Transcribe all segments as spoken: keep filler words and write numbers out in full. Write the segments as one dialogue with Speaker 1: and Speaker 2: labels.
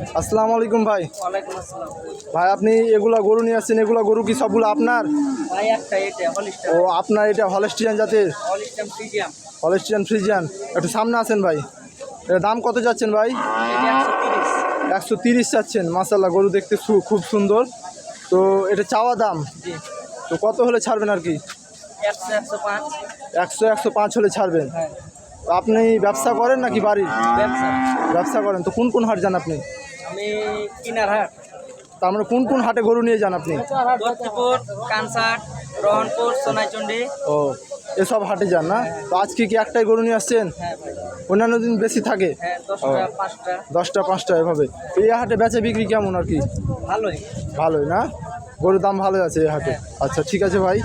Speaker 1: আসসালামু আলাইকুম ভাই।
Speaker 2: ওয়ালাইকুম আসসালাম।
Speaker 1: ভাই আপনি এগুলা গরু নিয়ে আসছেন, এগুলা গরু কি সবগুলো আপনার?
Speaker 2: ভাই একটা এটা হলিস্টার।
Speaker 1: ও আপনার এটা হলস্টিয়ান জাতের?
Speaker 2: Holstein Friesian.
Speaker 1: Holstein Friesian. একটু সামনে আসেন ভাই। এর দাম কত যাচ্ছেন ভাই?
Speaker 2: এটা একশো তিরিশ।
Speaker 1: একশো তিরিশ চাচ্ছেন। মাশাআল্লাহ গরু দেখতে সু- খুব সুন্দর। তো এটা চাওয়া দাম,
Speaker 2: জি।
Speaker 1: তো কত হলে ছাড়বেন আর কি?
Speaker 2: একশো একশো পাঁচ।
Speaker 1: একশো একশো পাঁচ হলে ছাড়বেন।
Speaker 2: হ্যাঁ।
Speaker 1: তো আপনি ব্যবসা করেন নাকি বাড়ির?
Speaker 2: ব্যবসা।
Speaker 1: ব্যবসা করেন। তো কোন কোন হাট যান আপনি?
Speaker 2: আমি কিনার হাট,
Speaker 1: তার মানে কোন কোন হাটে গরু নিয়ে যান আপনি?
Speaker 2: দত্তপুর, কানসাট, রহনপুর, সোনাইচন্ডী।
Speaker 1: ও এসব হাটে যান না? তো আজকে কি একটাই গরু নিয়ে আসছেন?
Speaker 2: হ্যাঁ ভাই।
Speaker 1: অন্যান্য দিন বেশি থাকে?
Speaker 2: হ্যাঁ, দশটা পাঁচটা।
Speaker 1: দশটা পাঁচটা এভাবে। তো এই হাটে বেচা বিক্রি কেমন আর কি?
Speaker 2: ভালোই।
Speaker 1: ভালোই না? গরুর দাম ভালোই আছে এই হাটে। আচ্ছা ঠিক আছে ভাই।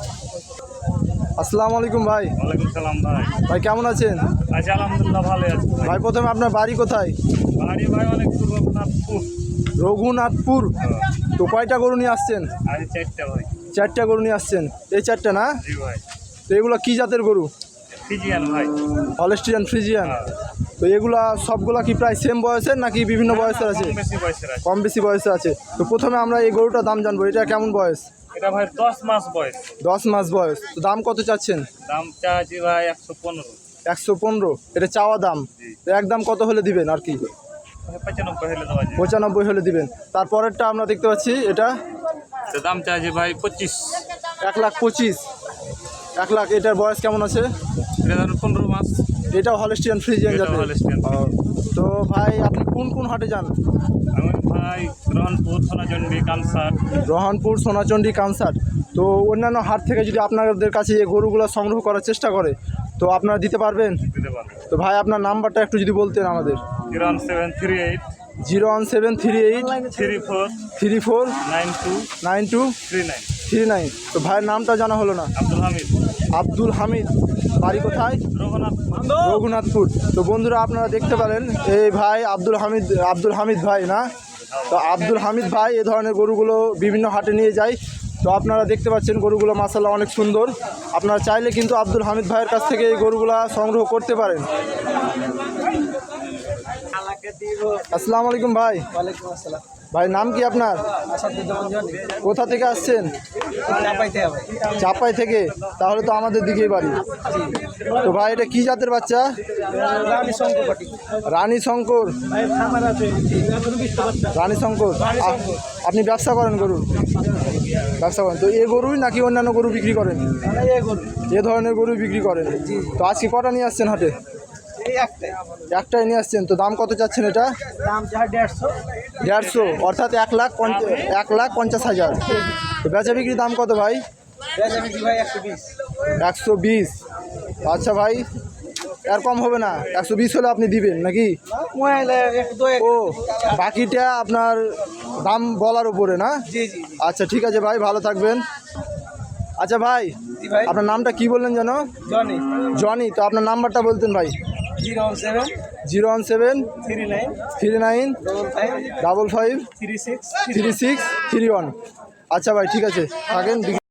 Speaker 1: আসসালামু আলাইকুম ভাই।
Speaker 3: ওয়ালাইকুম সালাম ভাই।
Speaker 1: ভাই কেমন আছেন?
Speaker 3: আছি আলহামদুলিল্লাহ ভালো আছি ভাই।
Speaker 1: ভাই প্রথমে আপনার বাড়ি কোথায়?
Speaker 3: বাড়ি ভাই অনেক দূর রঘুনাথপুর।
Speaker 1: রঘুনাথপুর। তো কয়টা গরু নিয়ে আসছেন?
Speaker 3: আজ চারটা ভাই।
Speaker 1: চারটা গরু নিয়ে আসছেন। এই চারটা না?
Speaker 3: জি ভাই।
Speaker 1: তো এগুলো কি জাতের গরু?
Speaker 3: ফিজিয়ান ভাই।
Speaker 1: Holstein Friesian.
Speaker 3: হ্যাঁ।
Speaker 1: তো এগুলা সবগুলা কি প্রায় সেম বয়সের নাকি বিভিন্ন বয়সের আছে?
Speaker 3: কম বেশি বয়সের আছে।
Speaker 1: কম বেশি বয়সে আছে। তো প্রথমে আমরা এই গরুটার দাম জানবো, এটা কেমন বয়স?
Speaker 3: এটা ভাই দশ মাস বয়স।
Speaker 1: দশ মাস বয়স। তো দাম কত চাচ্ছেন?
Speaker 3: দাম চাচ্ছি ভাই একশো পনেরো।
Speaker 1: একশো পনেরো এটা চাওয়া দাম।
Speaker 3: জি।
Speaker 1: তো একদম কত হলে দিবেন আর কি?
Speaker 3: পঁচানব্বই হলে দেওয়া যায়।
Speaker 1: পঁচানব্বই হলে দিবেন। তারপরেরটা আমরা দেখতে পাচ্ছি এটা
Speaker 3: তো দাম চাচ্ছি ভাই পঁচিশ।
Speaker 1: এক লাখ পঁচিশ। এক লাখ। এটার বয়স কেমন আছে?
Speaker 3: এটা ধরুন পনেরো মাস।
Speaker 1: এটাও হলস্টিয়ান ফ্রিজিয়ান
Speaker 3: এটাও
Speaker 1: জাতের।
Speaker 3: হলস্টিয়ান।
Speaker 1: ও, তো ভাই আপনি কোন কোন হাটে যান?
Speaker 3: আমি ভাই রহনপুর, সোনাচন্ডী, কানসাট।
Speaker 1: রহনপুর, সোনাচন্ডী, কানসাট। তো অন্যান্য হাট থেকে যদি আপনাদের কাছে এই গরুগুলো সংগ্রহ করার চেষ্টা করে তো আপনারা দিতে পারবেন?
Speaker 3: দিতে পারবো।
Speaker 1: তো ভাই আপনার নাম্বারটা একটু যদি বলতেন আমাদের।
Speaker 3: Zero one seven three eight
Speaker 1: zero one seven three eight
Speaker 3: three four
Speaker 1: three four
Speaker 3: nine two
Speaker 1: nine two
Speaker 3: three nine.
Speaker 1: Three nine. তো ভাইয়ের নামটা জানা হলো না।
Speaker 3: আব্দুল হামিদ।
Speaker 1: আব্দুল হামিদ। বাড়ি কোথায়?
Speaker 3: রঘুনাথ।
Speaker 1: রঘুনাথপুর। তো বন্ধুরা আপনারা দেখতে পারেন এই ভাই আব্দুল হামিদ, আব্দুল হামিদ ভাই না? তো আব্দুল হামিদ ভাই এ ধরনের গরুগুলো বিভিন্ন হাটে নিয়ে যায়। তো আপনারা দেখতে পাচ্ছেন গরুগুলো মাশাআল্লাহ অনেক সুন্দর। আপনারা চাইলে কিন্তু আব্দুল হামিদ ভাইয়ের কাছ থেকে এই গরুগুলা সংগ্রহ করতে পারেন। আসসালামু আলাইকুম ভাই।
Speaker 2: ওয়ালাইকুম আসসালাম।
Speaker 1: ভাই নাম কি আপনার?
Speaker 2: আসাদুজ্জামান জনি।
Speaker 1: কোথা থেকে আসছেন?
Speaker 2: চাপাইতে হবে।
Speaker 1: চাপাই থেকে। তাহলে তো আমাদের দিকেই বাড়ি। তো ভাই এটা কি জাতের বাচ্চা?
Speaker 2: রানী শঙ্করপাটি।
Speaker 1: রানী শঙ্কর।
Speaker 2: ভাই খামার আছে।
Speaker 1: রানী শঙ্কর। আ- আপনি ব্যবসা করেন গরুর? ব্যবসা করেন। তো এ গরুই নাকি অন্যান্য গরু বিক্রি করেন? এ ধরনের গরু বিক্রি করেন। তো আজকে কটা নিয়ে আসছেন হাটে?
Speaker 2: এই একটাই।
Speaker 1: একটাই নিয়ে আসছেন। তো দাম কত চাচ্ছেন এটা?
Speaker 2: দাম যা দেড়শো।
Speaker 1: দেড়শো অর্থাৎ এক লাখ পঞ্চ- এক লাখ পঞ্চাশ হাজার। তো বেচা বিক্রির দাম কত ভাই?
Speaker 2: ভাই একশো বিশ।
Speaker 1: একশো বিশ। আচ্ছা ভাই এর কম হবে না? একশো বিশ হলে আপনি দিবেন নাকি? ও বাকিটা আপনার দাম বলার উপরে না?
Speaker 2: জি জি।
Speaker 1: আচ্ছা ঠিক আছে ভাই, ভালো থাকবেন। আচ্ছা ভাই
Speaker 2: জি ভাই।
Speaker 1: আপনার নামটা কি বললেন যেন?
Speaker 2: জনি।
Speaker 1: জনি। তো আপনার নাম্বারটা বলতেন ভাই।
Speaker 2: Zero one seven
Speaker 1: zero one seven
Speaker 2: three nine
Speaker 1: three nine
Speaker 2: double five
Speaker 1: double five
Speaker 2: three six
Speaker 1: three six three one. আচ্ছা ভাই ঠিক আছে থাকেন।